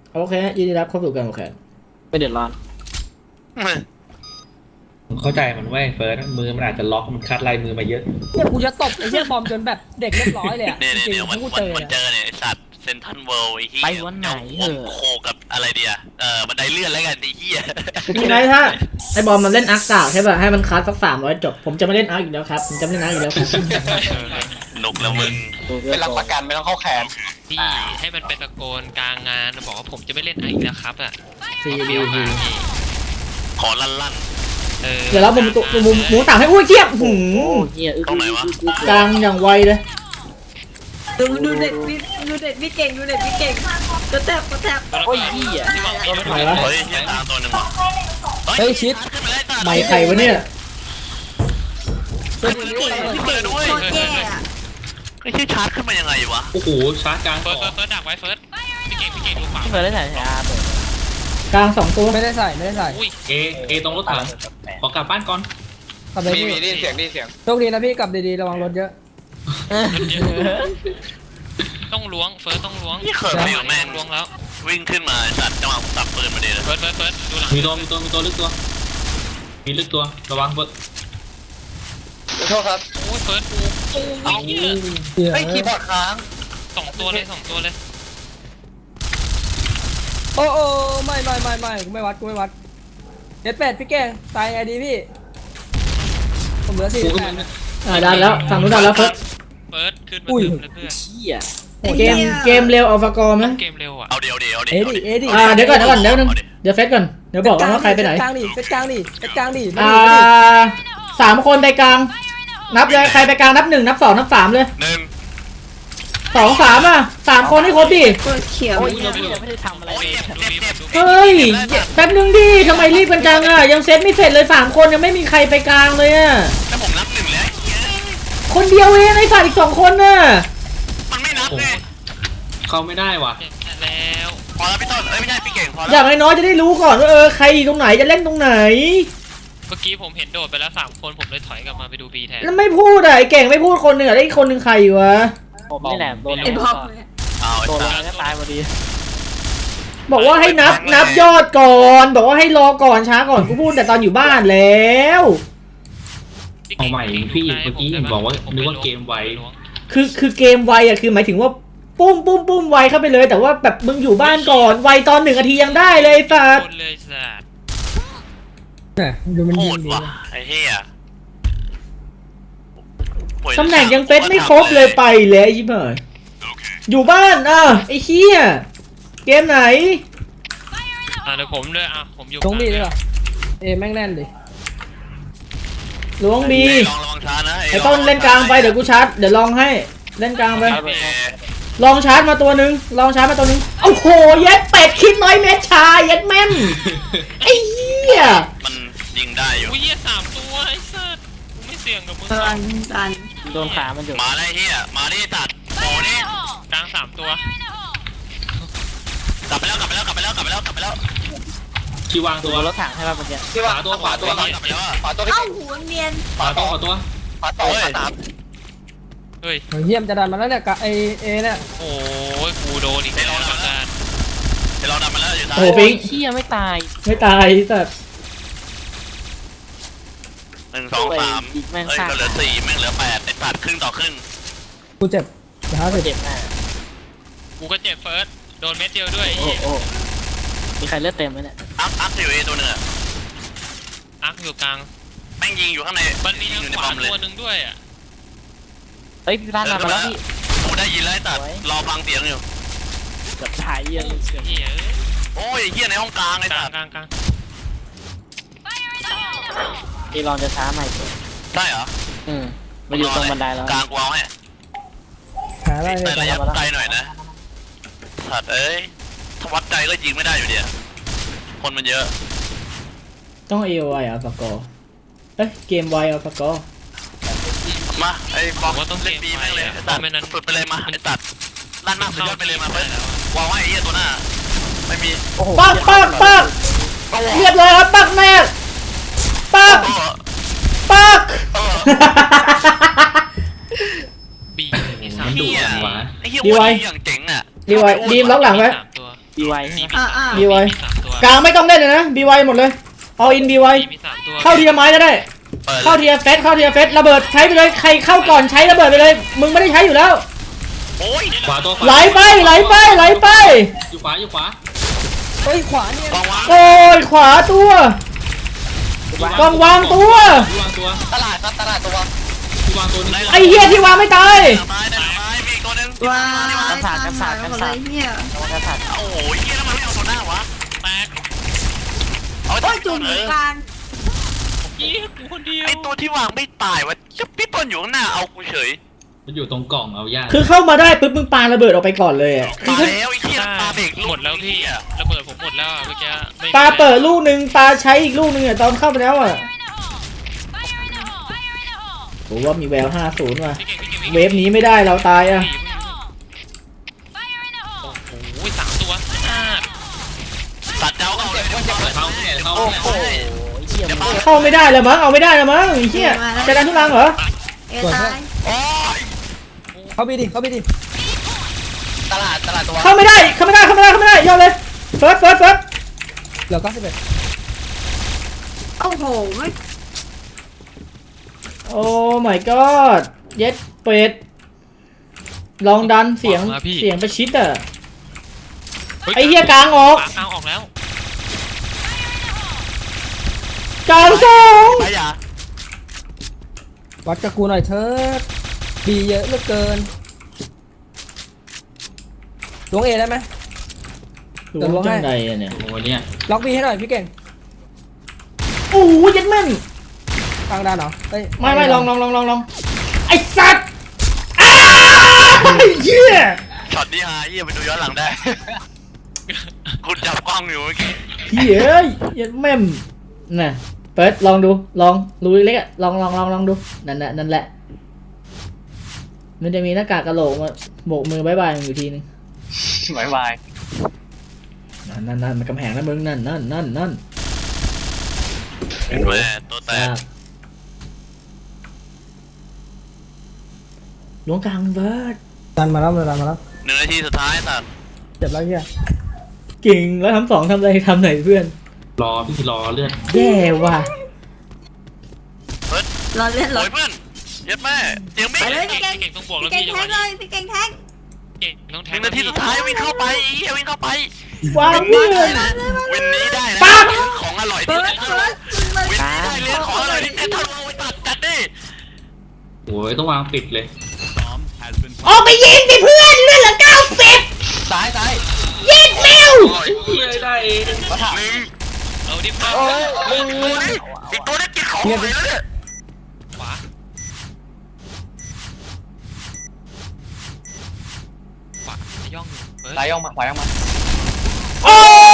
โอเคยินดีรับเข้าสู่การแข่งขันไม่เดือดร้อนเข้าใจมันเว้ยเฟิร์สมือมันอาจจะล็อกมันคัดลายมือมาเยอะเนี่ยกูจะตบไอ้เหี้ยบอมจนแบบเด็กเรียบร้อยเลยอ่ะเนี่ยจริงเนี่ยๆมันถ้ากูมันเจอมันเจเนี่ยอเนี่ยไอสัตว์เซนทันเวิลด์ไอ้เหี้ยไปวันไหนเหอะโคกับอะไรเดียบันไดเลื่อนแล้วกันไอ้เหี้ยทีไหนถ้าไอ้บอมมันเล่นอาร์คสาวใช่ป่ะให้มันคัสสัก300จบผมจะไม่เล่นอาร์คอีกแล้วครับผมจะไม่เล่นอาร์คอีกแล้วครับนกแล้วมึงเป็นหลักประกันไม่ต้องเข้าแคมป์พี่ให้มันเป็นตะโกนกลางงานบอกว่าผมจะไม่เล่นอีกแล้วครับอ่ะซีฟิบีลพีมาพี่ขอลั่นเดี๋ยวเรามุมตุมุมหมูต่างให้อุ้ยเทียบหืโอ้มเฮียอึกกลางอย่างไวเลยดูเด็ดพี่เก่งดูเด็ดพี่เก่งก็แทบโอ้ยเฮียที่วางมีรถไหนวะเฮ้ยเหี้ยตามตัวหนึ่งว่ะเฮ้ยชิดขึ้นไปเลยสัตว์ไม่ใครวะเนี่ยขึ้นไปเลยด้วยโคตรแย่อะไอ้เหี้ยชาร์จขึ้นมายังไงวะโอ้โหชาร์จกลางเฟิสร์อสงเฟิร์สดักไว้เฟิร์สพี่เก่งดูขวาที่เฟิร์สได้ถ่ายอาเปิดกลาง2ตัวไม่ได้ใส่ไม่ได้ใส่อุ้ยเอตรงรถถังขอกลับบ้านก่อนกลับไปมีพี่ได้ยินเสียงได้ยินเสียงโชคดีนะพี่กลับดีๆระวังรถเยอะต้องล้วงเฟิร์สต้องล้วงนี่เขินไปอยู่แม่งล้วงแล้ววิ่งขึ้นมาสัตว์จังหวะผมสับปืนมาดีเลยเฟิร์สดูหลังมีตัวลึกตัวมีลึกตัวระวังเฟิร์สขอโทษครับโอ้ยเฟิร์สโอ้ยเหี้ยเหี้ยเฮ้ยคีย์บอร์ดค้างสองตัวเลยโอ้ไม่กูไม่วัดเด็ดเป็ดพี่เก่งตายไงดีพี่ผมเหลือกูก็ 48 มันดันแล้วฝั่งนู้นดันแล้วเฟิร์สเฟิร์สขึ้นมาอุ้ยเพื่อนเฮียเกมเร็วเอาฟากอร์ไหมเกมเร็วอ่ะเอาเดี๋ยวเอดิเดี๋ยวก่อนเดี๋ยวนึงเดี๋ยวเฟซก่อนเดี๋ยวบอกว่าใครไปไหนเซตกลางดิเซตกลางดิมา 3 คนไปกลาง นับเลยใครไปกลางนับ1นับ2นับ3เลยหนึ่ง 2 33 คนให้ครบดิโคตรเขียวโอ้ยเฮียพี่ยังไม่ได้ทำอะไรโอ้ยเลยเจ็บเฮ้ยแป๊บนึงดิทำไมรีบกันจังอ่ะยังเซตไม่เสร็จเลย3 คนยังไม่มีใครไปกลางเลยอ่ะถ้าผมนับ1แล้วคนเดียวเองไอ้สัตว์อีก2 คนน่ะมันไม่นับไงเข้าไม่ได้ว่ะแล้วพอแล้วพี่ต้นไม่ใช่พี่เก่งพออแล้วย่างน้อยๆจะได้รู้ก่อนว่าใครอยู่ตรงไหนจะเล่นตรงไหนเมื่อกี้ผมเห็นโดดไปแล้ว3 คนผมเลยถอยกลับมาไปดูบีแทนแล้วไม่พูดอ่ะไอ้เก่งไม่พูดคนหนึ่งอ่ะได้อีกคนหนึ่งใครอยู่วะผมนี่แหละโดนไอ้บอมเอาไอ้โดนสัตว์แล้วตายพอดีบอกว่าให้นับยอดก่อนบอกว่าให้รอก่อนช้าก่อนกูพูดแต่ตอนอยู่บ้านแล้วเอาใหม่พี่เมื่อกี้บอกว่านึกว่าเกมไวคือเกมไวอ่ะคือหมายถึงว่าปุ้มไวเข้าไปเลย แต่ว่าแบบมึงอยู่บ้านก่อนไวตอน1 นาทียังได้เลยสัตว์คนเลยสัตว์เนี่ยดูมันโหยิงดดีว่ะไอ้เหี้ยตำแหน่งยังเฟซไม่ครบเลยไปเลยไอ้ชิบหายอยู่บ้านไอ้เหี้ยเกมไหนเดี๋ยวผมด้วยผมอยู่ตรงบีด้วยป่ะแม่งแน่นดิล้วงบีลองระวังช้านะไอ้ต้นเล่นกลางไปเดี๋ยวกูชาร์จเดี๋ยวลองให้เล่นกลางไป ลองชาร์จมาตัวหนึ่งโอ้โหเย็ดเป็ดคิดน้อยเม็ดชาเย็ดแม่มไอ้เหี้ยมันยิงได้อยู่อุ้ย3 ตัวไอ้สัตว์กูไม่เสี่ยงกับมึงดันโดนขามันอยู่มาได้เหี้ยมาดิตัดโอ้ดิกลาง3 ตัวกลับไปแล้วที่วางตัวโดนรถถังให้ป่ะเมื่อกี้ที่ว่าขวาตัวขวากลับไปแล้วอะขวาตัวพี่เอ้าเก่งหูเนียนขวาตัวขวาต่อขวาตามเฮ้ยเยี่ยมจะดันมาแล้วเนี่ยกับเนี่ยโอ้ยกูโดนอีกแล้วอาการเดี๋ยวเราดันมาแล้วอยู่ซ้ายโอ้โหปิงเฮียไม่ตายไม่ตายสัตว์ 1 2 3ก็เหลือ4แม่งเหลือ8ไอ้ตัดครึ่งต่อครึ่งกูเจ็บเดี๋ยว50 เจ็บหน้ากูก็เจ็บเฟิร์สโดนเม็ดเดียวด้วยโอ้โหมีใครเลือดเต็มไหมเนี่ยอัพอยู่เอตัวหนึ่งอะอักอยู่กลางแม่งยิงอยู่ข้างในมันมียิทางอยู่ในขบวาอมเลยตัวหนึ่งด้วยอ่ะเฮ้ยพี่ร้านมาแล้วพี่กูได้ยินแล้วไอ้ตัดรอฟังเสียงอยู่เกือบถ่ายเยี่ยมเกือบเหี้ยโอ้ยเหี้ยในห้องกลางไอ้กลาตังดกลางกลางพี่ลองจะช้าใหม่ตัวใช่เหรอมาอยู่ตรงบันไดแล้วกลางกูเอาให้หาอะไรแต่เลยระยะไกลหน่อยนะสัตว์เอ้ยถ้าวัดใจก็ยิงไม่ได้อยู่เดียวคนมันเยอะต้องเอไวอ่ะฟากอร์เกมไวอ่ะฟากอร์มาไอ้บอกว่าต้องเล่นบีแม่งเลยตไอ้อตันดไม่นั้นสุดไปเลยมาไอ้ตัดลั่นมากสุดยอดไปเลยมาเพื่อนวางไว้ไอ้เหี้ยตัวหน้าไม่มีโอ้โหปักเรียบร้อยครับปักแม่ปักบีมีมันดุ 3 เหี้ยหวาไอ้เหี้ยวันนี้อย่างเจ๋งอ่ะดีมล็อกหลังไว้ 3 ตัวบีไวใช่ไหมอ่าบีไวมี3ตัวกลางไม่ต้องเล่นเลยนะบีไวหมดเลยเอาอินบีไวมี3ตัวเข้าทีละไม้ก็ได้เปิดเข้าทีละเฟสเข้าทีละเฟสระเบิดใช้ไปเลยใครเข้าก่อนใช้ระเบิดไปเลยมึงไม่ได้ใช้อยู่แล้วโอ้ยขวาตัวไหลไปไหลไปไหลไปอยู่ขวาอยู่ขวาเฮ้ยขวาเนี่ยกองวางโอ้ยขวาตัวกองวางตัวที่วางตัวตลาดครับตลาดตัวที่วางตัวนี้ไอ้เหี้ยที่วางไม่ตายไม้ได้ไม้มีอีกตัวหนึงว้ายตามหาหมดเลยเนี่ยระวังกระสัดโอ้โหเฮียแล้วมันไม่เอาตัวหน้าวะแตกเอาโอ้ยจุ่มกลางยี่กูคนเดียวไอตัวที่วางไม่ตายวะเจ้าพี่ต้นอยู่ข้างหน้าเอากูเฉยมันอยู่ตรงกล่องเอายากคือเข้ามาได้ปุ๊บมึงปาระเบิดออกไปก่อนเลยอะมาแล้วไอ้เฮียปาเบรกลูกหมดแล้วพี่ระเบิดผมหมดแล้วอะเมื่อกี้ไม่มีปาเปิดลูกหนึ่งปาใช้อีกลูกหนึ่งอะตอนเข้าไปแล้วอะผมว่ามีแวว 50 ว่ะพี่เก่งเวฟนี้ไม่ได้เราตายอะโอ้โห3ตัวสัตว์เจ้าเอาเลยเข้าเนี่ยเข้าโอ้เนี่ยโหเชี่ยเดี๋ยวมึมางเข้าไม่ได้แล้วมั้งเอาไม่ได้แล้วมั้งไอ้เหี้ยจะดันทุลังเหรอเอตายโอ้ยเข้าไปดิเข้าไปดิตลาดตัวเข้าไม่ได้เข้าไม่ได้เข้าไม่ได้เข้าไม่ได้ยอดเลยเฟิร์สเหลือ91 โอ้โหไม่โอ้ my god เย็ดเป็ดลองดันเสียงประชิดอะไอ้เหี้ยกลางออกกลางออกแล้วกลางสองไปอย่าวัดกับกูหน่อยเถิดดีเยอะเหลือเกินลวงเอได้ไหมรู้จังใดอะเนี่ยโอ้โหเนี่ยล็อกบีให้หน่อยพี่เก่งโอ้ยยัดแม่นกลางดานเหรอเฮ้ยไม่ลองไอ้สัตว์อ้าเหี้ยช็อตนี้ฮาเฮียไปดูย้อนหลังได้ คุณจับกล้องอยู่เมื่อกี้เฮ้ยยัดแม่มน่ะเปิดลองดูลองรูเล็กๆอะลองดูนั่นแหละมันจะมีหน้ากากกระโหลกมาโบกมือบายบายอยู่ทีนึงบายบายนั่นมันกำแพงนะมึงนั่นเห็นไหมตัวแตกหลวงกลางเบิร์ดดันมาแล้ว 1 นาทีสุดท้ายสัตว์เจ็บแล้วเฮียเก่งแล้วทำ2ทำอะไรทำไหนเพื่อนรอพี่รอเลือดแย่ว่ะเราเล่นเราโอ้ยเพื่อนเย็ดแม่เสียงบิ๊กไปเลยพี่เก่งเก่งต้องบวกแล้วพี่เก่งพี่แทงเลยพี่เก่งแทงเก่งต้องแทง 1 นาทีสุดท้ายวิ่งเข้าไปไอ้เฮียวิ่งเข้าไปวางเพื่อนวินนี้ได้นะปั๊บของอร่อยเปิที่ดเพชรเปิดวินนี้ได้เรื่องของอร่อยที่เพชรทะลุไปจัดดิโอ้ยต้องวางปิดเลยออกไปยิงสิเพื่อนเลือดเหลือ90 ซ้ายยิงเร็วเฮียได้เองมาถามหนึ่งเอาดิอีกตัวนี้กินของหมดเลยเนี่ยขวาย่องอยู่เฮ้ยซ้ายย่องมาขวาย่องมาโอ้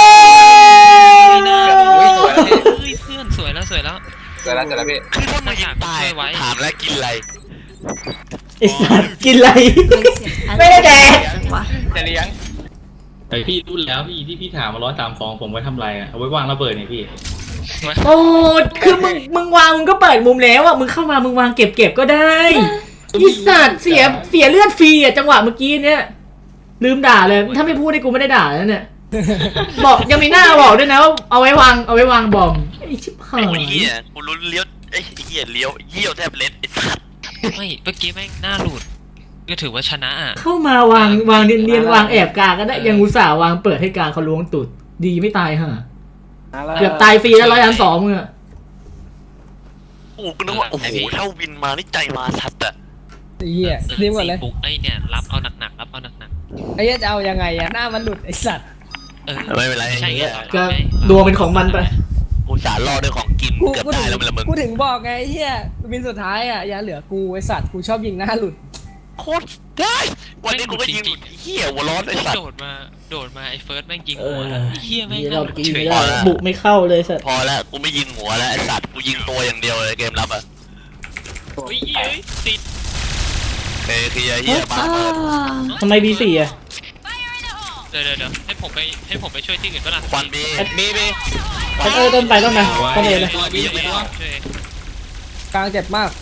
อุ้ยสวยแล้วพี่เฮ้ยเพื่อนสวยแล้วเสร็จแล้วพี่คือถ้ามันยิงตายถามแล้วกินอะไรไอ้สัตว์กินอะไรไม่ไม่ได้แดกว่ะจะเลี้ยงไอพี่รู้แล้วพี่ที่พี่ถามมา130ผมไว้ทำไรอะเอาไว้วางระเบิดเนี่ยพี่โอ้คือมึงวางมึงก็เปิดมุมแล้วอ่ะมึงเข้ามามึงวางเก็บก็ได้ไอ้สัตว์เสียเลือดฟรีอ่ะจังหวะเมื่อกี้เนี้ยลืมด่าเลยถ้าไม่พูดให้กูไม่ได้ด่าแล้วเนี่ยบอกยังมีหน้าบอกด้วยนะว่าเอาไว้วางบอมไอ้ชิบหาไอ้ยเหี้ยกูรู้เลี้ยวไอ้เหี้ยเลี้ยวเยี่ยวแทบเล็ดไอ้สัตว์ไม่เมื่อกี้แม่งหน้าหลุดก็ถือว่าชนะอ่ะเข้ามาวางเนียนๆวางแอบกลางก็ได้ยังอุตส่าห์วางเปิดให้กลางเขาล้วงตุดดีไม่ตายฮะเกือบตายฟรีแล้ว102มึงอะโอ้กูนึกว่าโอ้โหถ้าวินมานี่ใจมาสัตว์อะเฮียรีบหมดเลยปุ๊กไอ้เนี่ยรับเอาหนักรับเอาหนักไอ้เฮียจะเอายังไงอะหน้ามันหลุดไอ้สัตว์ไม่เป็นไรใช่ไงก็ดวงเป็นของมันไปกูสารรอด้วยของกินเกือบได้แล้วมันละมึงกูถึงบอกไงไอ้เฮียวินสุดท้ายอะอย่าเหลือกูไอ้สัตว์กูชอบยิงหน้าหลุดโคตรได้วันนี้กูก็ยิงเหี้ยหัวร้อนไอ้สัตว์โดดมาไอ้เฟิร์สแม่งยิงเอหัวอแล้วเฮียแม่งเรากินเฉไม่ยได้บุกไม่เข้าเลยสัตว์พอแล้วกูไม่ยิงหัวแล้วไอ้สัตว์กูยิงตัวอย่างเดียวเลยเกมรับอะเฮ้ยติดคือเหี้ยบ้าทำไม B4 อ่ะเดี๋ยวให้ผมไปช่วยที่อื่นก็ล่ะควันบีต้นไปต้นนะต้นเอเลยตัวพี่ไม่รู้ช่วยกลางเจ็บมาก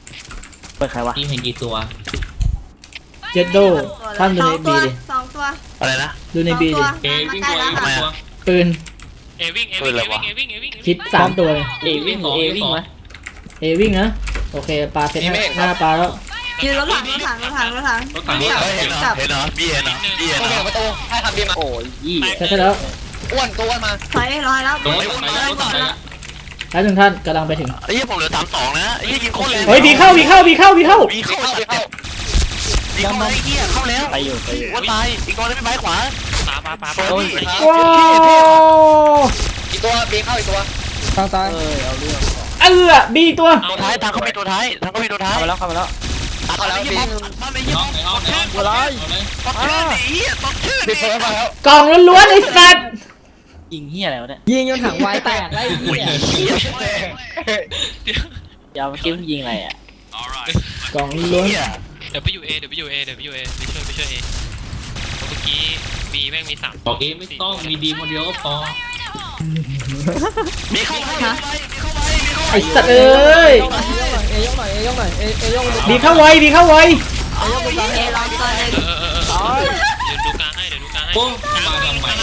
เปิดใครวะพี่เห็นกี่ตัวเจ็ดโดท่านอยู่ใน B ดิ 2 ตัวอะไรนะดูในบีดิเอวิ่งตัวทำไมตัวอะปืนเอวิ่งเอวิ่งเอวิ่งเอวิ่งเอวิ่งคิด3ตัวเลยเอวิ่งเอวิ่งวะเอวิ่งนะโอเคปลาเพชรหน้าปลาแล้วยืนรถถังรถถังรถถังรถถังรถถังเห็นเหรอเห็นเหรอบีเห็นเหรอบีเห็นโอเหรเคอประตูให้ทำบีมาโอ้ยยี่ใช่แล้วอ้วนตัวอ้วนมาถอยร้อยแล้วตรงนี้ไปแล้วไปแล้วแล้วหนึ่งท่านกำลังไปถึงไอ้ยี่ผมเหลือ32นะไอ้ยี่ยิงโคตรแรงเฮ้ยบีเข้าบีเข้าบีเข้าบีเข้าไอ้เหี้ยเข้าแล้วไปอยู่ไปอยู่ว่าตายอีกตัวนึงพี่ไม้ขวาปาโอ้ยว้าวอีกตัวบีเข้าอีกตัวทางซ้ายเอาเรื่องบีตัวตัวท้ายทางเขามีตัวท้ายทางเขามีตัวท้ายเข้ามาแล้วเข้ามาแล้วเข้าแล้วบีมันไอ้ยี่น้องในห้องในห้องอะไรต้องชื่อดิเหี้ยต้องชื่อบีดิเฟิร์สมาแล้วกล่องล้วนๆไอ้สัตว์ยิงเฮียอะไรวะเนี่ยยิงจนถังไวแตกไล่เหี้ยยาวเมื่อกี้ยิงอะไรอ่ะกล่องล้วนเหี้ยเดี๋ยวไปอยู่เอเดี๋ยวไปอยู่เอเดี๋ยวไปอยู่เอไปช่วยเอเมื่อกี้บีแม่งมี3 บอกเอไม่ต้องมีดีคนเดียวก็พอมีเข้าไปมีเข้าไปมีเข้าไปไอ้สัตว์เอ้ยเอยกหน่อยเอยกหน่อยเอยกหน่อยบีเข้าไวบีเข้าไวเอร้อยตัวหนึ่งเดี๋ยวดูกลางให้เดี๋ยวดูกลางให้โอ้มาทำไม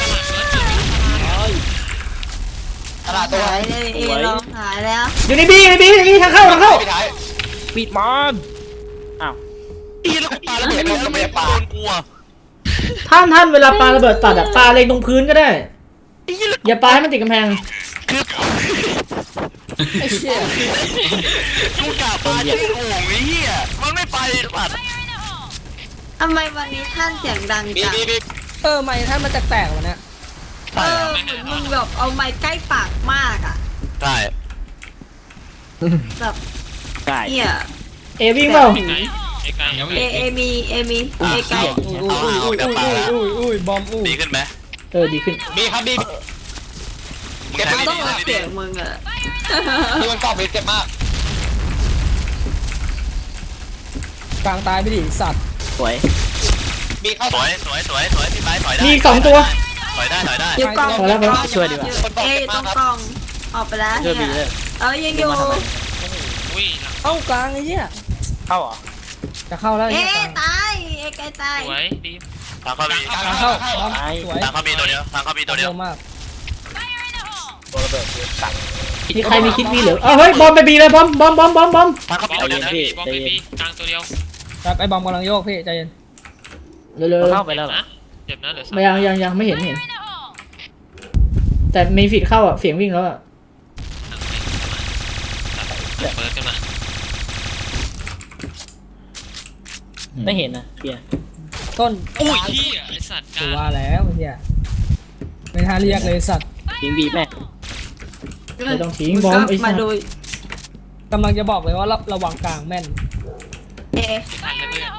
ตลาดตัวหายเลยเอร้อยหายแล้วอยู่ในบีทางเข้าไปท้ายปิดมันอ้าวอีแล้วกูปาแล้วเห็นแล้วไม่ปาโดนกลัวท่านเวลาปาระเบิดตัดอะปาเล็งตรงพื้นก็ได้ อย่าปาให้มันติดกำแพงคือไอ้เหี้ยกูกะปาชื่อโง่ไอ้เหี้ยมันไม่ไปปัดทำไมวันนี้ท่านเสียงดังบีจังบีบีไม่ท่านมันแตกๆวะเนี่ยเหมือนมึงแบบเอาไม้ใกล้ปากมากอ่ะใช่แบบได้เหี้ยเอวิ่งเปล่าไอ้ไก่ยังไม่เอมีเอไกลอุ้ยบอมอุ้ยดีขึ้นไหมดีขึ้นบีครับบีมึงใช้เราไม่ต้องดีเอาไม่เสีดียงมึงอ่ะนี่มันกรอบบีเจ็บมากกลางตายไปดิสัตว์สวยบีเข้าสวยพี่ไม้ถอยได้มี2ตัวถอยได้อยู่กล่องพอแล้วพอแล้วช่วยดีกว่าเออยู่ตรงกล่องออกไปแล้วช่วยบีเนี่เลย ยยังอยู่อุ้ยเอ้ากลางไอ้เหี้ยเข้าเหรอจะเข้าแล้วเอเนี่ยตายเอไกลตายสวยดีทางเขามีกลางกลางเข้าเข้าบอมสวยทางเขามีตัวเดียวทางเขามีตัวเดียวเร็วมากตัวระเบิดสั่งมีใครมีคิดบีเหรือเฮ้ยบอมไปบีเลยบอมทางเขาบมีอลตัวเดียวนะบีบอลบีกลางตัวเดียวครับไอ้บอมกำลังโยกพี่ใจเย็นเร็วเข้าไปแล้วเหรอนะเจ็บนะเหลือๆยังไม่เห็น แต่มีฟีดเข้าอ่ะเสียงวิ่งแล้วอ่ะเปิดกันมาไม่เห็นนะเพียต้นอุ้ยที่ไอสัตว์กกูลางว่าแล้วไอ้เหี้ยไม่ท่าเรียกเลยสัตว์ยิงบีแม่ไม่ต้องทิ้งบอมไอ้สัมาตว์ดูกำลังจะบอกเลยว่าระวังกลางแม่นเอทันแล้วเพื่อน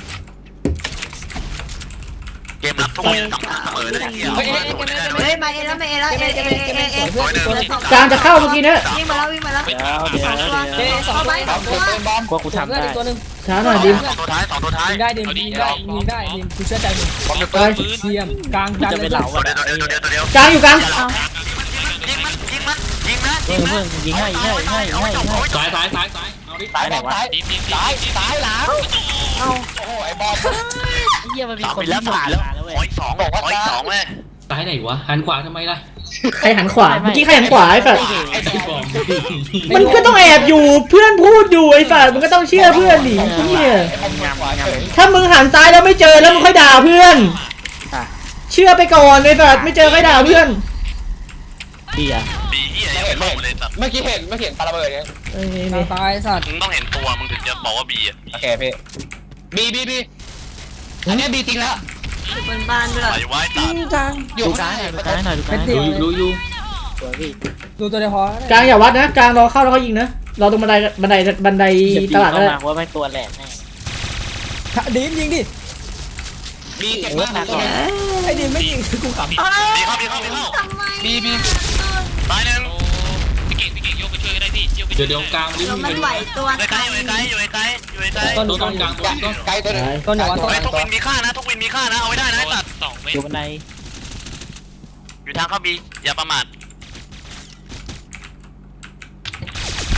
เกมรับทุกคนสำคัญเสมอนะเฮียเฮ้ยมาเอแล้วมาเอแล้วเอกลางจะเข้าเมื่อกี้เนี่ยวิ่งมาแล้ววิ่งมาแล้วเดี๋ยวเข้าไปสองตัวเป็นบอมกลัวกูทำเพื่อนได้อีกตัวหนึ่งช้าหน่อยดิมสองตัวท้ายยิงได้ดิมยิงได้ดิมกูเชื่อใจมึงบอมจะไปเปิดเทียมกลางดันจะเลไปยเหลาตัวอ่ะเดียวตัวเดียวตัวเดียวกลางอยู่กลางยิงนะเพื่อนยิงให้ซ้ายเอาดิสายบอมสายดีดีสายหลังโอ้ไอ้บอมเฮียมันมีสามคนไปแล้วที่สามผ่านแล้วแล้วเว้ขอย อีกสองขออีกสองเลยซ้ายไหนวะหันขวาทำไมล่ะใครหันขวาเมื่อกี้ใครหันขวาไอ้สัตว์ไอ้บอมมันก็ต้องแอบอยู่เพื่อนพูดอยู่ไอ้สัตว์มันก็ต้องเชื่อเพื่อนดิเหี้ยไอ้บอมขวาเฉยถ้ามึงหันซ้ายแล้วไม่เจอแล้วมึงค่อยด่าเพื่อน เชื่อไปก่อนไอ้สัตว์ไม่เจอค่อยด่าเพื่อนเฮียบีเฮียยังไม่ลงเลยสัตว์เมื่อกี้เห็นปาระเบิดไงกลางตายสัตว์มึงต้องเห็นตัวมึงถึงจะบอกว่าบีอ่ะโอเคพี่บีอันนี้บีจริงแล้วอยู่บนบ้านด้วยไปไว้ตัดกลางอยู่ดูข้างซ้ายในหน่อยดูซ้ายหน่อยดูซ้ายหน่อยดูอยู่สวยพี่ดูตัวเดียวพอกลางอย่าวัดนะกลางรอเข้าแล้วเขายิงนะรอตรงบันไดเหยียบตลาดก็เข้าได้มาว่าไม่ตัวแหลกแน่ดิมยิงดิบีเจ็บมากไอ้ดิมไม่ยิงคือกูขำบีเข้าทำไมบีตายหนึ่งพี่เก่งโยกไปช่วยก็ได้พี่โยกไปเดี๋ยวกลางดิมันไหวตัวอยู่ไกลอยู่ไกลอยู่ไกลอยู่ไกลต้นตัวต้นกลางตัวต้นไกลตัวนึงต้นอย่าวัดต้นทุกวินมีค่านะทุกวินมีค่านะเอาไว้ได้นะตัด 2 เมตอยู่รบันไดอยู่ทางเข้าบีอย่าประมาท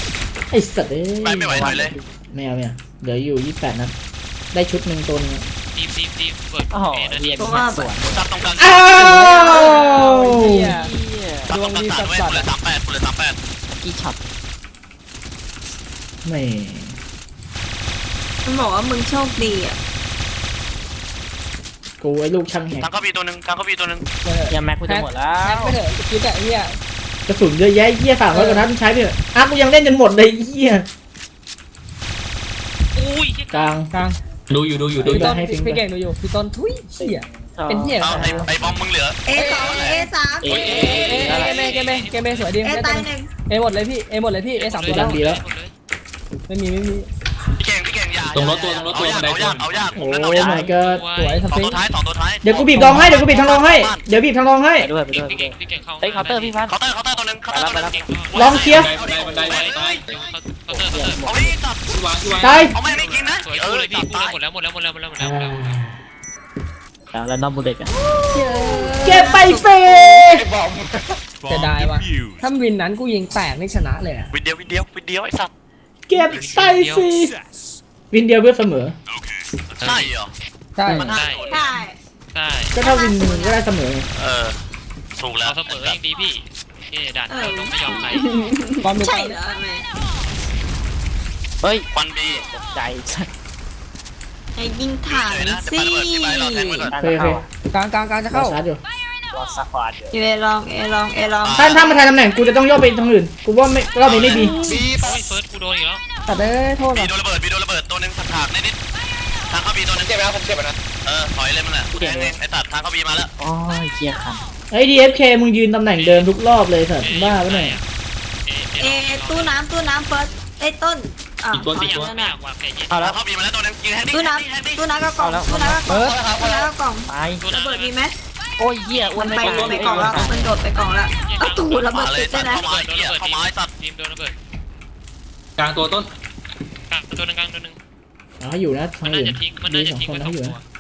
ไอ้สัตว์เอ้ยไปไม่ไหวถอยเลยไม่เอาเหลืออยู่28นัดได้ชุดหนึ่งตัวนึงยทีมเปิดโอ้โหเอนะเรียนเพราะว่าสวนตัดตรงกลางอ้าวเหี้ยตัดตรงกลางสามเว้ยคุณเลย38 กี่ช็อตแหม่มันบอกว่ามึงโชคดีอ่ะกูไอ้ลูกช่างแหกทางเข้าบีตัวหนึ่งทางเข้าบีตัวหนึ่งยังแม็กกูจะหมดแล้แม็กวไม่เถอะคิดแต่เหี้ยกระสุนเยอะแยะเหี้ย300กว่านัดมึงใช้ไปเถอะอ่ะกูยังเล่นจนหมดเลยเหี้ยอุ้ยกลางกลางดูอยู่พี่ต้นให้ฟิงพี่เก่งดูอยู่พี่ต้นทุยเหี้ยเป็นเหี้ยเอาไอ้บอมมึงเหลือ A2 A3 เอ๊ะเกมเมสวยดี A ตายหนึ่งเอหมดเลยพี่เอหมดเลยพี่เอสามตัวดัแล้วงดีแล้วไม่มีพี่เก่งอย่าตรงรถตัวบันไดตัวเอายากโอ้ผมนั่นเอายาก my god สวยสสองฟิงตัวท้ายสองตัวท้ายเดี๋ยวกูบีบรองให้เดี๋ยวกูบีบทางรองให้เดี๋ยวบีบทางรองให้ไปด้วยพี่เก่งเข้าเฮ้ยเคาน์เตอร์พี่พันเคาน์เตอร์ตัวหนึ่งเคาน์เตอร์ตัวหนึ่งลองเคลียร์บันไดเคาน์เตอร์เอาไม่ตัดวางตายเอาไม่จริงนะสวยเอกูอเลยพี่ตัดกูตายเลยหมดแล้วแล้วน้องบูเด็กอะเก็บไปเฟจะได้ว่ะถ้าวินนั้นกูยิงแตกนี่ชนะเลยอะวินเดียวไอ้สัตว์เก็บไปสิวินเดียวเพื่อเสมอใช่เหรอใช่มันได้ใช่ได้ก็ถ้าวินมึงก็ได้เสมอถูกแล้วเราเสมอยังดีพี่นี่ด่านเราต้องไม่ยอมใครบอมดูใช่เหรอแม่เฮ้ยควันบีตกใจไอ้ยิงถังนะสิจะไประเบิดที่ไปรอแทงไว้ก่อนโอเคโอเคกลางจะเข้าเข้าชาร์จอยู่รอซักควาดอยู่เอลองถ้ามาทายตำแหน่งกูจะต้องย่อไปทางอื่นกูว่าไม่รอบนี้ไม่ดีโอ้ยเฟิร์สกูโดนอีกแล้วตัดได้โทษบีว่ะโดนระเบิดตัวหนึ่งถากนิดทางเข้าบีตัวหนึ่งเจ็บแล้วผมเจ็บนะถอยเลยมันแหละไอ้ตัดทางเข้าบีมาแล้วโอ้ยเกียร์คันไอ้ DFK มึงยืนตำแหน่งเดิมทุกรอบเลยสัตว์บ้าปะเนี่ยเอตู้น้ำเฟิร์สไอ้ต้นอ่ะไม่อยากวางแผนเย็นเอาแล้วเข้าบีมาแล้วตัวหนึ่งยิงแฮนดี้ตู้น้ำก็กล่องตู้น้ำก็กล่องตายระเบิดมีไหมโอ้ยเหี้ยอ้วมัน นไม่ไปกล่องแล้วมันโดดไปกล่องแล้วเอาตูระเบิดมาเลยติดสัด้ตวยว์นะเข้ามาไอ้สัตว์ทีมโดนระเบิดกลางตัวต้นตัวนึงกลางตัวนึงเอาให้อยู่นะมัทาน งน่าอื่นจะทิ้งมันดีน่าจะสองทิ้งคนไว้นะสองให้อยู่ตัวนะ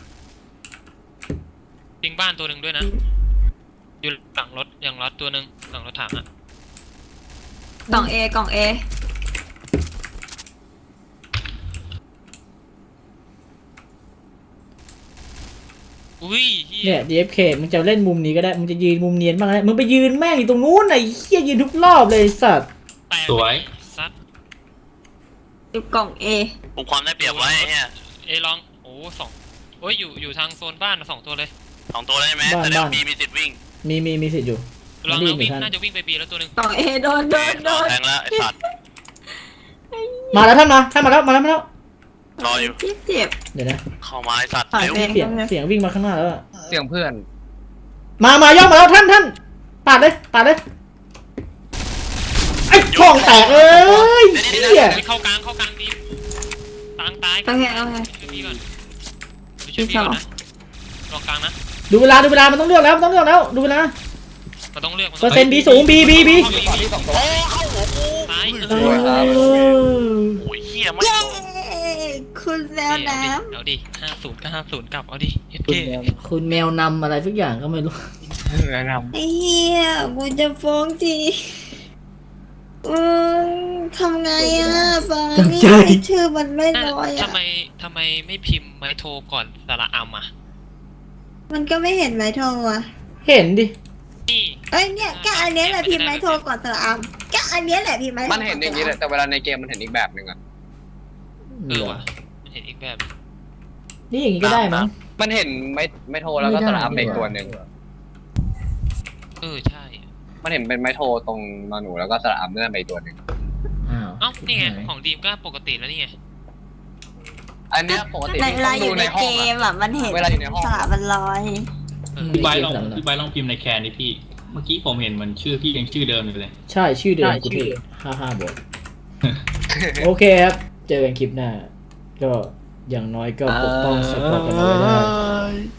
ทิ้งบ้านตัวหนึ่งด้วยนะอยู่หลังรถอย่างรถตัวหนึ่งหลังรถถังอ่ะกล่องเออุ้ยเนี่ย DFK มึงจะเล่นมุมนี้ก็ได้มึงจะยืนมุมเนียนบ้างก็ได้มึงไปยืนแม่งอยู่ตรงนู้นไอ้เหี้ยยืนทุกรอบเลยไอ้สัตว์สวยซัดอยู่กล่องเอผมความได้เปรียบไว้เนี่ยเอลองโอ้สองโอ้ยอยู่ทางโซนบ้านสองตัวเลยสองตัวได้ไหมแต่เดี๋ยวบีมีสิทธิ์วิ่งมีสิทธิ์อยู่ลองรีแล้บวหนีวิ่งทันน่าจะวิ่งไปบีแล้วตัวหนึ่งกล่องเอโดนแทงแล้วไอ้สัตว์มาแล้วท่านมาแล้วรออยู่เจ็บเดี๋ยวนะเข้ามาไอ้สัตว์ถอยเร็วไปเสียงวิ่งมาข้างหน้าแล้วอะเสียงเพื่อนมาย่องมาแล้วท่านปาดเลยไอ้ช่องแตกเอ้ยเหี้ยเข้ากลางบีตางตายโอเคช่วยบีก่อนช่วยบีก่อนนะลองกลางนะดูเวลามันต้องเลือกแล้วดูเวลามันต้องเลือกเปอร์เซ็นต์บีสูงบีโอ้เข้าหัวกูตายโอ้ยเหี้ยไม่เย้โดนคุณแมวน้เอาดิ50ก็50กลับเอาดิเอสคุณเคแมวคุณแมวนำอะไรสักอย่างก็ไม่รู้ำไอ้เหี้ยกูจะฟ้องทีทำไงอ่ะฟ้านี่ชื่อมันไม่น้อยอ่ะทำไมไม่พิมพ์ไม้โทรก่อนสระอัมอ่ะมันก็ไม่เห็นไม้โทรอ่ะเห็นดินี่เอ้ยเนี่ยก็อันเนี้ยแหละพิมพ์ไม้โทรก่อนสระอัมก็อันเนี้ยแหละพิมพ์ไม้โทรมันเห็นอย่างนี้แหละแต่เวลาในเกมมันเห็นอีกแบบหนึ่งอะว่ะเห็นอีกแบบนี่อย่างนี้ก็ได้มั้งมันเห็นไม่โทรแล้วก็สระอัมเบรกตัวหนึ่งใช่มันเห็นเป็นไม้โทรตรงนอนหนูแล้วก็สระอัมนั่นเบรกตัวหนึ่งอ้าวเอ้านี่ไงของดีมก็ปกติแล้วนี่ไงอันเนี้ยปกติในที่เวลาต้องอดูยู่ในในห้อเกงอะมอ่ะมันเห็นเวลาอยู่ในห้องสระมันลอยพี่ใบลองพิมพ์ในแคนดิพี่ เมื่อกี้ผมเห็นมันชื่อพี่ยังชื่อเดิมอยู่เลยใช่ชื่อเดิมกูพี่55 บทโอเคครับเจอกันคลิปหน้าก็อย่างน้อยก็ปกป้องสปอร์ตกันเอาไว้ได้